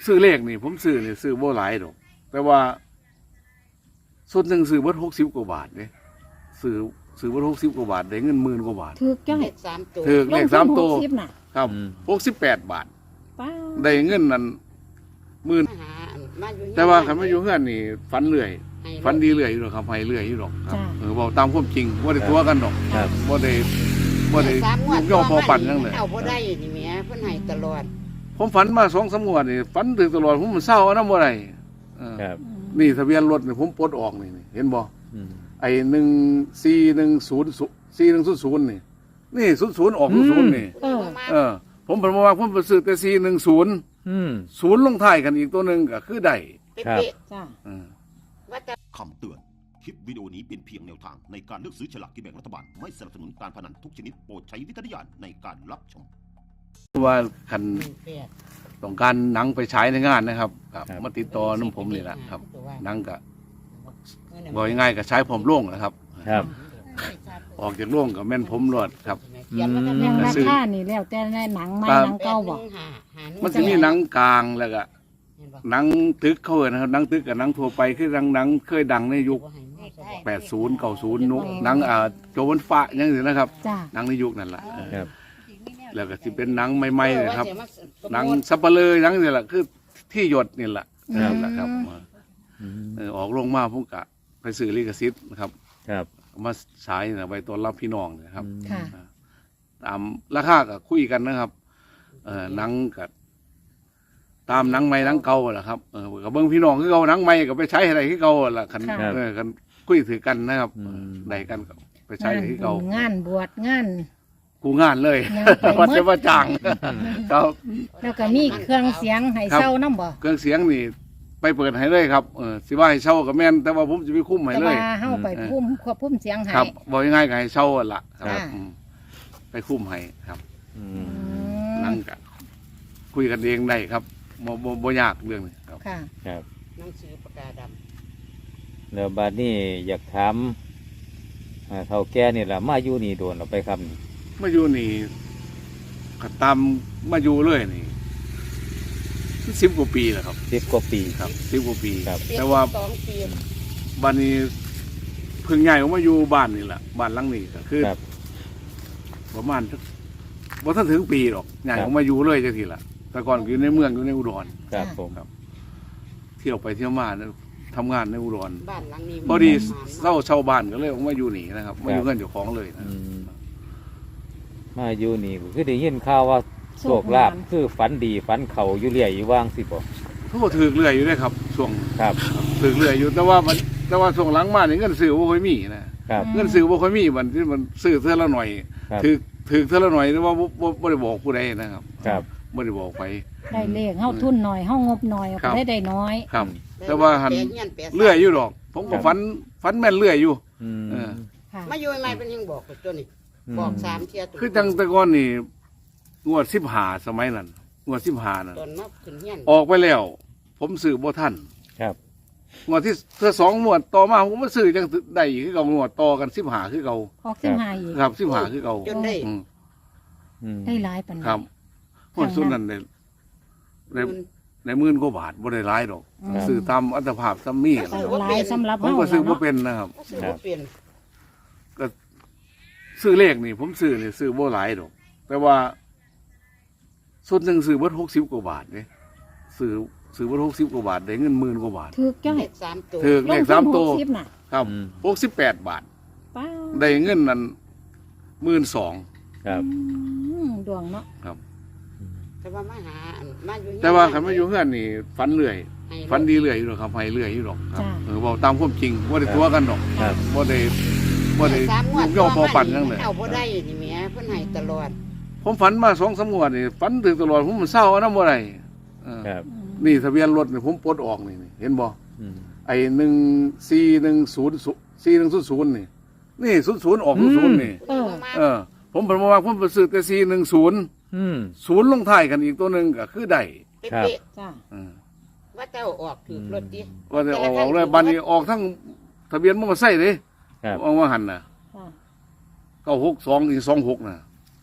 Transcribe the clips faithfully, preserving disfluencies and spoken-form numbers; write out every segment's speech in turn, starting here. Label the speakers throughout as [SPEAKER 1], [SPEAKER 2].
[SPEAKER 1] ซื้อเลขนี่ผมซื้อนี่ซื้อบ่หลายดอกแต่ว่าส่วนหนึ่งซื้อเบิดหกสิบกว่าบาทเนี่ยซื้อซื้อเบิดหกสิบกว่าบาทได้เงินหมื่นกว่าบาท
[SPEAKER 2] ถือจ้อย
[SPEAKER 3] สามตัว
[SPEAKER 1] ถือเลขสามตัว
[SPEAKER 2] ลงทุนหกสิบน่ะ
[SPEAKER 1] ครับหกสิบแปดบาท
[SPEAKER 2] ป้า
[SPEAKER 1] ได้เงินนั่นหมื่น
[SPEAKER 3] มาหามาอยู่
[SPEAKER 1] แต่ว่าคันมาอยู่เฮือนนี่ฝันเรื่อย
[SPEAKER 3] ให้
[SPEAKER 1] ฝันดีเรื่อยอยู่หรอกครับให้เรื่อยอยู่หรอกครับ
[SPEAKER 2] จ้า
[SPEAKER 1] เออบอกตามความจริงบ่ได้ตัวกันดอก
[SPEAKER 4] ครับ
[SPEAKER 1] บ่ได้บ่ได้
[SPEAKER 3] สามงวด
[SPEAKER 1] ย่อพอปั่นจังเลย
[SPEAKER 3] เอาบ่ได้นี่แหม่เพิ่นให้ตลอด
[SPEAKER 1] ผมฝันมาสองสามงวดนี่ฝันถึงตลอดผมมันเศร้าอันนั้นบ่ได้เออ
[SPEAKER 4] ครับ
[SPEAKER 1] นี่ทะเบียนรถนี่ผมปลดออกนี่นี่เห็นบ่
[SPEAKER 4] อืม
[SPEAKER 1] ไอ้หนึ่งสี่หนึ่งศูนย์สี่หนึ่งศูนย์ศูนย์นี่นี่ศูนย์ศูนย์ออกศูนย์ศูนย์นี่
[SPEAKER 2] เออ
[SPEAKER 1] เออ ผมผมว่าผมไปซื้อแต่สี่หนึ่งศูนย์
[SPEAKER 4] อืม
[SPEAKER 1] ศูนย์ลงท้ายกันอีกตัวหนึ่งก็คือได้
[SPEAKER 4] ครับ
[SPEAKER 3] เป๊ะ
[SPEAKER 2] จ้า
[SPEAKER 1] เออ
[SPEAKER 3] ๆว่าแต่
[SPEAKER 5] คำเตือน คลิปวิดีโอนี้เป็นเพียงแนวทางในการเลือกซื้อฉลากกินแบ่งรัฐบาล ไม่สนับสนุนการพนันทุกชนิดโปรดใช้วิจารณญาณในการรับชม
[SPEAKER 1] ว่าคัน
[SPEAKER 3] หนึ่งแปด
[SPEAKER 1] ต้องการหนังไปฉายในงานนะครับครับ
[SPEAKER 4] ครับ
[SPEAKER 1] มาติดต่อน้ำผมนี่แหละครับหนังก็บอกง่ายๆก็ใช้ผมโล่งนะครับ
[SPEAKER 4] ครับ
[SPEAKER 1] ออกจากโล่งกับแม่นผมรอดครับ
[SPEAKER 3] เขียนว่าจะ
[SPEAKER 2] เรื่อง
[SPEAKER 3] แม่
[SPEAKER 2] รา
[SPEAKER 1] ซื้อ
[SPEAKER 2] คานี่แล้วแต่ในหนังไม้
[SPEAKER 1] ครับ
[SPEAKER 2] หนังเก่าบ่
[SPEAKER 3] หาหาหง
[SPEAKER 1] มันจะมีหนังกลางแล้วก็
[SPEAKER 3] เห็นบ่
[SPEAKER 1] หนังตึกเขาเอิ้นนะครับหนังตึกกับหนังทั่วไปคือหนังหนังเคยดังในยุคแปดสิบ เก้าสิบนุหนังอ่าโจวันฟ้าอย่างนี้นะครับ
[SPEAKER 2] จ้า
[SPEAKER 1] หนังในยุคนั่นแหละเออ
[SPEAKER 4] ครับ
[SPEAKER 1] แล้วก็ที่เป็นหนังใหม่ๆนะครับ
[SPEAKER 3] เออว่าสิมา
[SPEAKER 1] หนังสับเปลือหนังนี่แหละคือที่หยดนี่แหละ
[SPEAKER 2] อืม
[SPEAKER 1] นั่นแหละครับ
[SPEAKER 4] อืม
[SPEAKER 1] เออออกลงมาผมกะไปซื้อลิขสิทธิ์นะครับ
[SPEAKER 4] ครับ
[SPEAKER 1] เอามาฉายนะไว้ต้อนรับพี่น้องนะครับ
[SPEAKER 4] อืม
[SPEAKER 2] ค่ะ
[SPEAKER 1] ตามราคาก็คุยกันนะครับ เออหนังกับตามหนังใหม่หนังเก่าแหละครับเออกับเบิ้งพี่น้องคือเก่าหนังใหม่ก็ไปใช้อะไรที่เก่าแหละคัน
[SPEAKER 2] ค่ะ
[SPEAKER 1] เออกันคุยถือกันนะครับ
[SPEAKER 4] อืม
[SPEAKER 1] ได้กันก็ไปใช้
[SPEAKER 2] งาน
[SPEAKER 1] อะไรที่เก่า
[SPEAKER 2] บุญงานบวชงาน
[SPEAKER 1] กูงานเลย
[SPEAKER 2] งานไปหมด
[SPEAKER 1] วัดจะว่าจ้างครับ
[SPEAKER 2] แล้วก็มีเครื่องเสียงให้
[SPEAKER 1] ครับ
[SPEAKER 2] เช่าน้ำบ่
[SPEAKER 1] เครื่องเสียงนี่ไปเปิดให้เลยครับเออสิว่าให้เช่ากับแม่นแต่ว่าผมจะไปคุ้มให้
[SPEAKER 2] แต่
[SPEAKER 1] เลย
[SPEAKER 2] ว่าเฮาไปพุ่มควบคุมเสียงให้
[SPEAKER 1] ครับบอกง่ายๆก็ให้เช่าหั่นละครับ
[SPEAKER 2] ค่ะ
[SPEAKER 1] อืมไปคุ้มให้ครับ
[SPEAKER 4] อื
[SPEAKER 2] อื
[SPEAKER 4] ม
[SPEAKER 2] ม
[SPEAKER 1] นั่งกันคุยกันเองได้ครับบ่บ่บ่ยากเรื่องนี้ครับ
[SPEAKER 2] ค่ะ
[SPEAKER 4] ครับ
[SPEAKER 3] หนังสือปากกาดำ
[SPEAKER 4] แล้วบัดนี้อยากถามอ่าเฒ่าแก่นี่ล่ะมาอยู่นี่โดนเราไปครับนี่
[SPEAKER 1] มาอยู่นี่ก็ตามมาอยู่เลยนี่สิบกว่าปีแล้วครับ
[SPEAKER 4] สิบกว่าปี
[SPEAKER 1] ครับสิบกว่าปี
[SPEAKER 4] ครับ
[SPEAKER 1] แต่ว่า
[SPEAKER 3] สองปี
[SPEAKER 1] บ้านนี้เพิ่งย้ายออกมาอยู่บ้านนี่แหละบ้านหลังนี้ก็คือ
[SPEAKER 4] ครับ
[SPEAKER 1] ประมาณสักบ่ทันถึงปีหรอกย้ายออกมาอยู่เลยจังทีละแต่ก่อนอยู่ในเมืองอยู่ในอุดร
[SPEAKER 4] ครับผม
[SPEAKER 1] เที่ยวไปเที่ยวมาเนี่ยทำงานในอุดร
[SPEAKER 3] บ้านหลังนี้
[SPEAKER 1] พอดีเศร้าเช่าบ้านก็เลยออกมาอยู่นี่นะครับมาอยู่เงินเจ้าของเลยนะ
[SPEAKER 4] อืมมาอยู่นี่ก็คือได้ยินข่าวว่าโชคลาภคือฝันดีฝันเขาอยู่เรื่อยอยู่ว่างสิบ่
[SPEAKER 1] เขาก็ถือเรื่อยอยู่ด้วยครับช่วง
[SPEAKER 4] ครับ
[SPEAKER 1] ถือเรื่อยอยู่แต่ว่ามันแต่ว่าช่วงหลังมาเนี่ยเงินซื้อบ่ค่อยมีนะครับ เงินซื้อบ่ค่อยมีมันที่มันซื้อเท่าละหน่อย
[SPEAKER 4] ครับ
[SPEAKER 1] ถือถือเท่าละหน่อยแต่ว่าบ่บ่บ่ได้บอกผู้ใดนะครับ
[SPEAKER 4] ครับ
[SPEAKER 1] บ่ได้บอกไป
[SPEAKER 2] ได้เลขเฮาทุนหน่อยเฮางบหน่อย
[SPEAKER 1] ครับ
[SPEAKER 2] ก็ได้ได้น้อย
[SPEAKER 1] ครับ แต่ว่าหัน
[SPEAKER 3] แปดงี้แปดสาม
[SPEAKER 1] เรื่อยอยู่ดอก ผมก็ฝันฝันแม่นเรื่อยอยู่
[SPEAKER 4] อืม
[SPEAKER 1] เออ
[SPEAKER 2] ค่ะ
[SPEAKER 3] มาอยู่ใหม่เป็นยังบอกกับตัวนี้
[SPEAKER 4] ม
[SPEAKER 3] บอกสามเทียตัว
[SPEAKER 1] คือจังแต่ก่อนนี่งวดสิบห้าสมัยนั้นงวดสิบห้านั่น
[SPEAKER 3] ตอนมาขึ้นเฮียน
[SPEAKER 1] ออกไปแล้ว ผมซื้อบ่ทัน
[SPEAKER 4] ครับ
[SPEAKER 1] งวดที่เธอสองงวดต่อมาผมมาซื้อจังได้อีกคือเก่างวดต่อกันสิบห้าคือเก่า
[SPEAKER 2] ออกสิบห้าอีก
[SPEAKER 1] ครับสิบห้าคือเก่า
[SPEAKER 3] จนได้
[SPEAKER 1] อืม
[SPEAKER 4] อืม
[SPEAKER 2] ได้หลายปาน
[SPEAKER 1] ครับ
[SPEAKER 2] นั้น
[SPEAKER 1] งวดสุดนั้นในในในหมื่นกว่าบาทบ่ได้หลายดอก
[SPEAKER 2] อืม
[SPEAKER 1] ซื้อตามอัตภาพซ้ำมี
[SPEAKER 2] ก็หลายสำหรับ
[SPEAKER 1] ผม
[SPEAKER 2] เฮา
[SPEAKER 1] ก็ซื้อบ่
[SPEAKER 2] เนาะ
[SPEAKER 1] เป็นนะครับ
[SPEAKER 3] ก็ซื้อบ่เปลี่ยน
[SPEAKER 1] ซื้อเลขนี่ผมซื้อนี่ซื้อบ่หลายดอก แต่ว่าส่วนหนึ่งซื้อเบิดหกสิบกว่าบาทเนี่ยซื้อซื้อเบิดหกสิบกว่าบาทได้เงินหมื่นกว่าบาท
[SPEAKER 2] ถือจ้อย
[SPEAKER 3] เลขสามตัว
[SPEAKER 1] ถือเลขสามตัว
[SPEAKER 2] ลงทุนหกสิบน่ะ
[SPEAKER 1] ครับ
[SPEAKER 4] อืม
[SPEAKER 1] หกสิบแปดบาท
[SPEAKER 2] ป้า
[SPEAKER 1] ได้เงินนั้นหมื่นสอง
[SPEAKER 4] ครับ
[SPEAKER 2] อืมดวงเนาะ
[SPEAKER 1] ครับ
[SPEAKER 3] แต่ว่ามาหาอันมาอยู่เฮียน
[SPEAKER 1] แต่ว่าคันมาอยู่เฮือนนี่ฝันเรื่อย
[SPEAKER 3] ให้
[SPEAKER 1] ฝันดีเรื่อยอยู่หรอกครับให้เรื่อยอยู่หรอกครับ
[SPEAKER 2] จ้า
[SPEAKER 1] เออบอกตามความจริงบ่ได้ตัวกันดอก
[SPEAKER 4] ครับ
[SPEAKER 1] บ่ได้บ่ได้
[SPEAKER 3] สามงวด
[SPEAKER 1] ย่อพอปั่นจังเลย
[SPEAKER 3] เอาบ่ได้นี่แหม่เพิ่นให้ตลอด
[SPEAKER 1] ผมฝันมาสองสามงวดนี่ฝันถึงตลอดผมมันเศร้าอันนั้นบ่ได้เออ
[SPEAKER 4] ครับ
[SPEAKER 1] นี่ทะเบียนรถนี่ผมปลดออกนี่นี่เห็นบ่
[SPEAKER 4] อืม
[SPEAKER 1] ไอ้หนึ่งสี่หนึ่งศูนย์สี่หนึ่งศูนย์ศูนย์นี่นี่ศูนย์ศูนย์ออกศูนย์ศูนย์นี่
[SPEAKER 2] เออ
[SPEAKER 1] เออ ผมผมว่าผมไปซื้อแต่สี่หนึ่งศูนย์
[SPEAKER 4] อืม
[SPEAKER 1] ศูนย์ลงท้ายกันอีกตัวหนึ่งก็คือได้
[SPEAKER 4] ครับ
[SPEAKER 3] เป๊ะ
[SPEAKER 2] จ้า
[SPEAKER 1] เออ
[SPEAKER 3] ๆว่าเจ้าออกถูกรถดิ
[SPEAKER 1] ว่าจะออกออกเลยบันนี้ออกทั้งทะเบียนมอเตอร์ไซค์เลย
[SPEAKER 4] ครับ
[SPEAKER 1] ออกมาหันน่ะ
[SPEAKER 2] จ้า
[SPEAKER 1] เก้าหกสองอีกสองหกน่ะ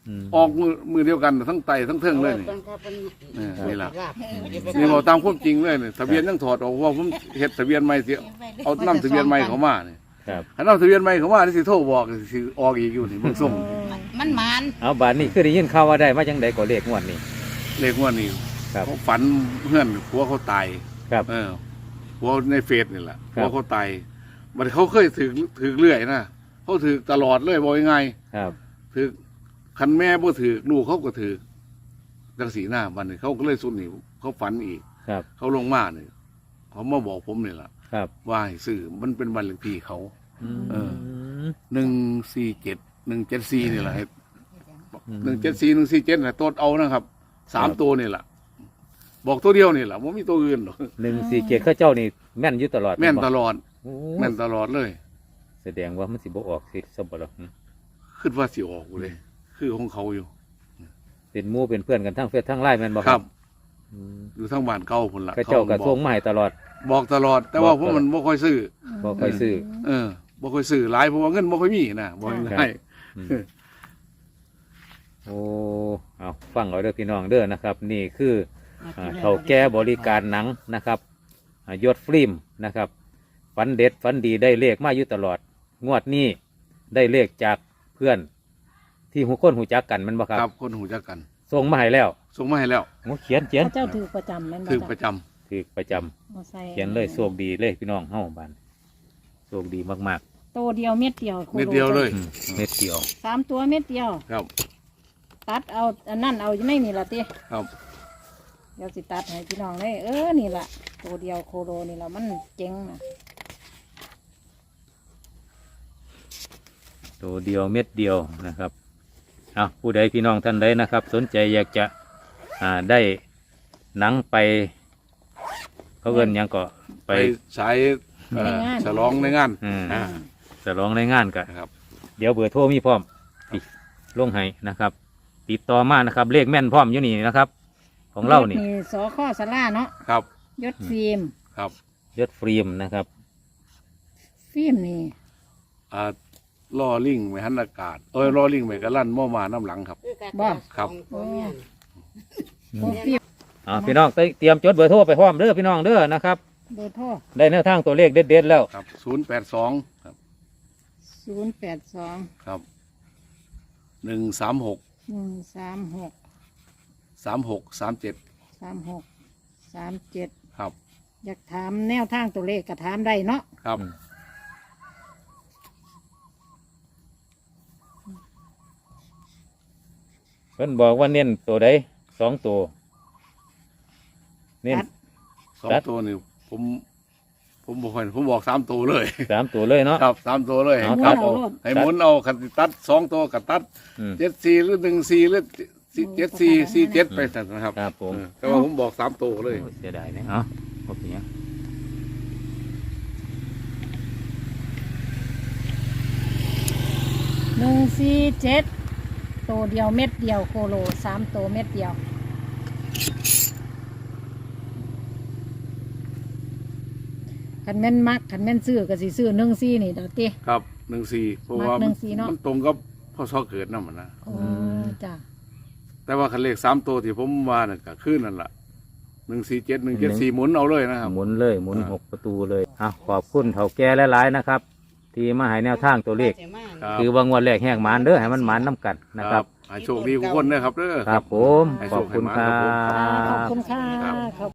[SPEAKER 4] ม
[SPEAKER 1] ออกมือมือเดียวกันทั้งไตทั้งเทิงเลยนี่
[SPEAKER 3] พิ่นครับเพิ่น
[SPEAKER 1] เออนี่ล่ะ
[SPEAKER 3] ลาบ
[SPEAKER 1] นี่บอกตามความจริงเลยนี่ทะเบียนยังถอดออกว่าผมเฮ็ดทะเบียนใหม่สิเอานำทะเบียนใหม่เขามานี่
[SPEAKER 4] ครับ
[SPEAKER 1] ถ้านำทะเบียนใหม่เขามานี่สิโทรบอกสิออกอีกอยู่นี่เบิ่งส่ง
[SPEAKER 3] มันหมาน
[SPEAKER 4] เอาบาดนี้คือได้ยินข่าวว่าได้มาจังไดก็เลขงวดนี้
[SPEAKER 1] เลขงวดนี้
[SPEAKER 4] ครับ
[SPEAKER 1] เขาฝันเพื่อนผัวเขาตาย
[SPEAKER 4] ครับ
[SPEAKER 1] เออผัวในเฟซนี่แหละ
[SPEAKER 4] ครั
[SPEAKER 1] ผั
[SPEAKER 4] บ
[SPEAKER 1] วเขาตายมันเขาเคยถือถือเรื่อยนะเขาถือตลอดเลยบอกยังไง
[SPEAKER 4] ครับ
[SPEAKER 1] ถือคันแม่บ่ถือลูกเขาก็ถือจังสีหน้ามันนี่เขาก็เลยสุดนี่เขาฝันอีก
[SPEAKER 4] ครับ
[SPEAKER 1] เขาลงมาเนี่ยเขามาบอกผมนี่แหละ
[SPEAKER 4] ครับ
[SPEAKER 1] ว่าให้ซื้อมันเป็นบันเลขที่เขา เออ
[SPEAKER 4] ม
[SPEAKER 1] หนึ่งสี่เจ็ดหนึ่งเจ็ดสี่นี่แหละ
[SPEAKER 4] อืม
[SPEAKER 1] หนึ่งเจ็ดสี่หนึ่งสี่เจ็ดนะตัวเอานะครับสามตัวนี่แหละบอกตัวเดียวนี่แหละว่ามีตัวอื่นหรอก
[SPEAKER 4] หนึ่งสี่เจ็ดข้าเจ้านี่แม่นอยู่ตลอด
[SPEAKER 1] แม่นต
[SPEAKER 4] บ่
[SPEAKER 1] ลอด
[SPEAKER 4] โอ้
[SPEAKER 1] แม่นตลอดเลย
[SPEAKER 4] แสดงว่ามันสิบ่ออกสิสมบัติหรอก
[SPEAKER 1] คิดว่าสิออกอยู่เลย คือของเขาอยู่
[SPEAKER 4] เป็นหมู่เป็นเพื่อนกันทั้งเฟซทั้งไลน์แม่นบ่
[SPEAKER 1] ครับ
[SPEAKER 4] อืม
[SPEAKER 1] อยู่ทั้งบ้านเก่าพุ่นละ
[SPEAKER 4] ข้าเจ้าก็
[SPEAKER 1] บ
[SPEAKER 4] ส่
[SPEAKER 1] อง ก
[SPEAKER 4] มาให้ตลอด
[SPEAKER 1] บอกตลอด แต่ว่า
[SPEAKER 4] บอก
[SPEAKER 1] ผม
[SPEAKER 4] ตลอด
[SPEAKER 1] มันบ่ค่อยซื้อ
[SPEAKER 4] บ่ค่อยซื้อ
[SPEAKER 1] เออบ่ค่อยซื้อหลายเพราะว่าเงินบ่ค่อยมีนะบ่
[SPEAKER 4] ครับ
[SPEAKER 1] ง่าย
[SPEAKER 4] อืมโอ้เอาฟังเอาเด้อพี่น้องเด้อนะครับ นี่คืออ่าเฒ่าแก่บริการหนังนะครับอ่ายศฟิล์มนะครับฝันเด็ดฝันดีได้เลขมาอยู่ตลอด งวดนี้ได้เลขจากเพื่อน ที่หูคนหูจักกันแมันบ่ครับ
[SPEAKER 1] ครับคนหูจักกัน
[SPEAKER 4] ส่งมาให้แล้ว
[SPEAKER 1] ส่งมาให้แล้ว
[SPEAKER 4] โอ้เขียนเขียน
[SPEAKER 2] พระเจ้าถือประจำแม่นบ่
[SPEAKER 1] คือป
[SPEAKER 2] จ้ะ
[SPEAKER 1] ระจำ
[SPEAKER 4] ถือประจำ
[SPEAKER 2] มาใส่
[SPEAKER 4] เขียนเลยโชคดีเลยพี่น้องเฮาบ้านโชคดีมาก
[SPEAKER 2] โตเดียวเม็ดเดียวโคโล
[SPEAKER 1] เม็ดเดียวเลย
[SPEAKER 4] ๆอืมเม็ดเดียว
[SPEAKER 2] สามตัวเม็ดเดียว
[SPEAKER 1] ครับ
[SPEAKER 2] ตัดเอาอันนั้นเอาอยู่ในนี่ละติ
[SPEAKER 1] ครับ
[SPEAKER 2] เดี๋ยวสิตัดให้พี่น้องเลยเออนี่ละตัวเดียวโคโลนี่ละมันเจ๋งนะ
[SPEAKER 4] ตัวเดียวเม็ดเดียวนะครับเอาผู้ใดพี่น้องท่านใดนะครับ สนใจอยากจะอ่าได้หนังไป เขาเอินหยังก็ไป
[SPEAKER 1] ไปใช้เอ่อฉลองในงาน
[SPEAKER 4] อืม
[SPEAKER 1] อ่า
[SPEAKER 4] จะร้องในงานกัน
[SPEAKER 1] นะครับ
[SPEAKER 4] เดี๋ยวเบอร์โทรมีพร้อมติลงให้นะครับ ติดต่อมานะครับ เลขแม่นพร้อมอยู่นี่นะครับ ของเรานี่
[SPEAKER 2] สอข้อสลาเนาะ
[SPEAKER 1] ครับ
[SPEAKER 2] ยศฟิล์ม
[SPEAKER 1] ครับ
[SPEAKER 4] ยศฟิล์มนะครับ
[SPEAKER 2] ฟิล์มนี่
[SPEAKER 1] อ่าล่อลิงไว้หันอากาศเอ้ยล่อลิงไว้กระลั่นหม้อมาน้ำหลังครับ
[SPEAKER 3] คือการ
[SPEAKER 2] บ่
[SPEAKER 1] ครับ
[SPEAKER 3] ของพ่อแม่น
[SPEAKER 2] โอ้ฟิล์ม
[SPEAKER 4] อ่าพี่น้องเตรียมจดเบอร์โทรไปพร้อมเด้อพี่น้องเด้อนะครับ
[SPEAKER 2] เบอร์โทร
[SPEAKER 4] ได้แนวทางตัวเลขเด็ดๆแล้ว
[SPEAKER 1] ครับศูนย์แปดสองครับ
[SPEAKER 2] ศูนย์แปดสอง
[SPEAKER 1] ครับหนึ่งสามหก
[SPEAKER 2] หนึ่งสามหก
[SPEAKER 1] สามหกสามเจ็ด
[SPEAKER 2] สามหกสามเจ็ด
[SPEAKER 1] ครับ
[SPEAKER 2] อยากถามแนวทางตัวเลขก็ถามได้เนาะ
[SPEAKER 1] ครับ
[SPEAKER 4] เพิ่นบอกว่าเน้นตัวใดสองตัวเน้น
[SPEAKER 1] สอง
[SPEAKER 4] ครับ
[SPEAKER 1] ตัวนี่ผมผมบอกให้ผมบอกสามตัวเลย
[SPEAKER 4] สามตัวเลยเนาะ
[SPEAKER 1] ครับสามตัวเลย
[SPEAKER 4] เอา
[SPEAKER 1] ครับ
[SPEAKER 2] เอาโลด
[SPEAKER 1] ให้หมุนเอาคันสิตัดสองตัวกับตัด
[SPEAKER 4] อืม
[SPEAKER 1] เจ็ดสี่หรือหนึ่งสี่หรือเจ็ดสี่สี่เจ็ดไปแต่นะครับ
[SPEAKER 4] ครับผม
[SPEAKER 1] เออแต่ว่าผมบอกสามตัวเลย
[SPEAKER 4] โอ้เสียดายเนี่ยเอ้าโอเคเนี่ย
[SPEAKER 2] หนึ่งสี่เจ็ดตัวเดียวเม็ดเดียวโคโลสามตัวเม็ดเดียวขันแม่นมักขันแม่นซื้อก็สิซื้อหนึ่งสี่นี่เดี๋ยวติ
[SPEAKER 1] ครับหนึ่งสี่เพราะ
[SPEAKER 2] มัก
[SPEAKER 1] ว่า
[SPEAKER 2] หนึ่งสี่เนาะ
[SPEAKER 1] มันตรงกับพ่อซอเกิดนั่นมันนะ
[SPEAKER 2] โอ้จ้ะ
[SPEAKER 1] แต่ว่าคันเลขสามตัวที่ผมว่าน่ะก็คือนั่นแหละหนึ่งสี่เจ็ดหนึ่งเจ็ดสี่หมุนเอาเลยนะครับ
[SPEAKER 4] หมุนเลยหมุน
[SPEAKER 1] อ่า
[SPEAKER 4] หกประตูเลยอ่ะขอบคุณเถ่าแก่หลายๆนะครับ ที่มาให้แนวทางตัวเลข
[SPEAKER 3] สิมา
[SPEAKER 1] ครับ
[SPEAKER 4] คือว่างวดแรกแหกหมานเด้อให้มันหมานน้ำกันนะครับ
[SPEAKER 1] ให้โชคดีทุกคนนะครับเด้อ
[SPEAKER 4] ครับผม
[SPEAKER 1] ให้
[SPEAKER 4] ข
[SPEAKER 1] โช
[SPEAKER 4] อบ
[SPEAKER 1] คให้
[SPEAKER 4] คุณ
[SPEAKER 1] หมาน
[SPEAKER 4] ครั
[SPEAKER 1] ครับผม
[SPEAKER 2] ขอบ
[SPEAKER 4] บ
[SPEAKER 2] คุณค่ะ
[SPEAKER 1] ครับ
[SPEAKER 2] ขอบ